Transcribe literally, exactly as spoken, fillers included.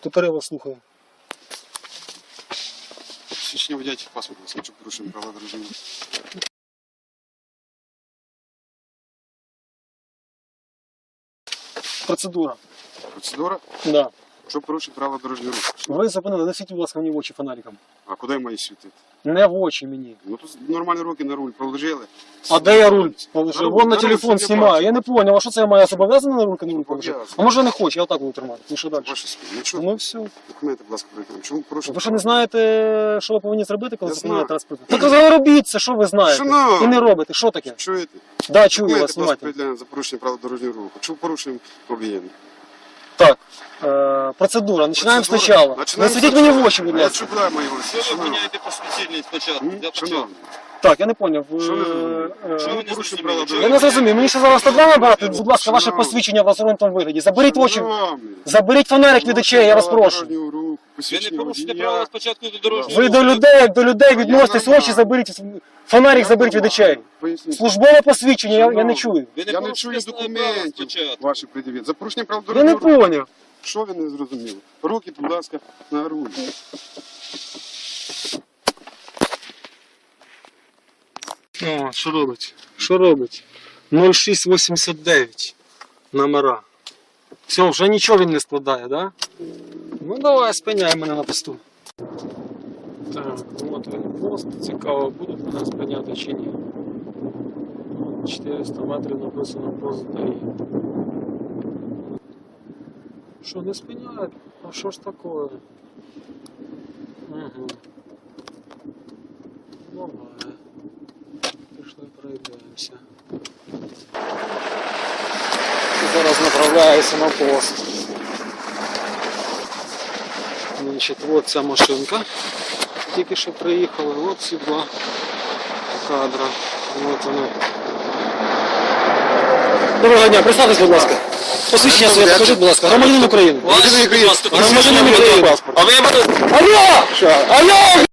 Тепер я вас слухаю. Свідчення водячих паспорт, якщо порушуємо правила дорожнього руху. Процедура. Процедура? Да. Що порушує правила дорожнього руху? Ви зупинили, не світіть, будь ласка, мені в очі фонариком. А куди я маю світити? Не в очі мені. Ну тут нормальні руки на руль положили. А де я руль положив? На руль, Вон на на руль, телефон щоб я знімаю. бачив. Я не понял, а що це я маю зобов'язаний на руки на руль положити? Зобов'язаний. А може я не хочу, я отак буду тримати. Ну що далі? Ваше спільне. Ну що, Ну все. документи, будь ласка, переконуємо. Чому порушуємо? Ви що не знаєте, що ви повинні зробити, коли Я зупиняєте знаю. транспорт? Так ви робіть це, що ви знаєте. Шановні. І не робите. Що таке? Чуєте? Да, чую Документи, вас, будь ласка, знімайте. переділяємо за порушення правил дорожнього руху. Чому порушуємо об'єднання? Так, е, процедура. Починаємо Процедура. спочатку. Не Починаємо світіть мені в спочатку. очі, будь А я ласка. чую, мої гості. Що ви Шановні. виняєте посвідчення спочатку? М? Для початку. Шановні. Так, я не поняв. Ви, Що ви зрозуміли? е, Що ви не порушуєте зрозуміли? правила Чого Я ви не зрозумів, мені ще зараз треба набрати, будь ласка, ваше Шановні. посвідчення в розгорнутому вигляді. Заберіть очі, Шановні. заберіть фонарик від очей, я вас Правила прошу. дорожнього руху, Ви не посвідчення порушите водія. правила спочатку до дорожнього Ви до руху. людей, як до людей відноситесь, очі заберіть, фонарик заберіть від очей. Поясніть. Службове посвідчення, я, я не чую. Ви не Я не порушите чую основне право документів спочатку. ваші пред'явіть. За порушення правил Я не дорожнього руху. поняв. Що ви не зрозуміли? Руки, будь ласка, на руль. О, що робить? Що робить? нуль шість вісімдесят дев'ять номера. Все, вже нічого він не складає, да? Ну давай, спиняй мене на посту. Так, от він пост. Цікаво, будуть мене спиняти чи ні. чотириста метрів написано пост ДАІ. Що, не спиняють? А що ж таке? Угу. Давай. Пішли пройдемося. Зараз направляюся на пост. Значить, от ця машинка. Тільки що приїхали, от ці два кадра. От вони. Доброго дня, представтесь, будь ласка. Посвідчення своє покажіть, будь ласка. Громадянин України. Ваше, будь ласка, Громадянин України. А ви мене... Алло! Алло!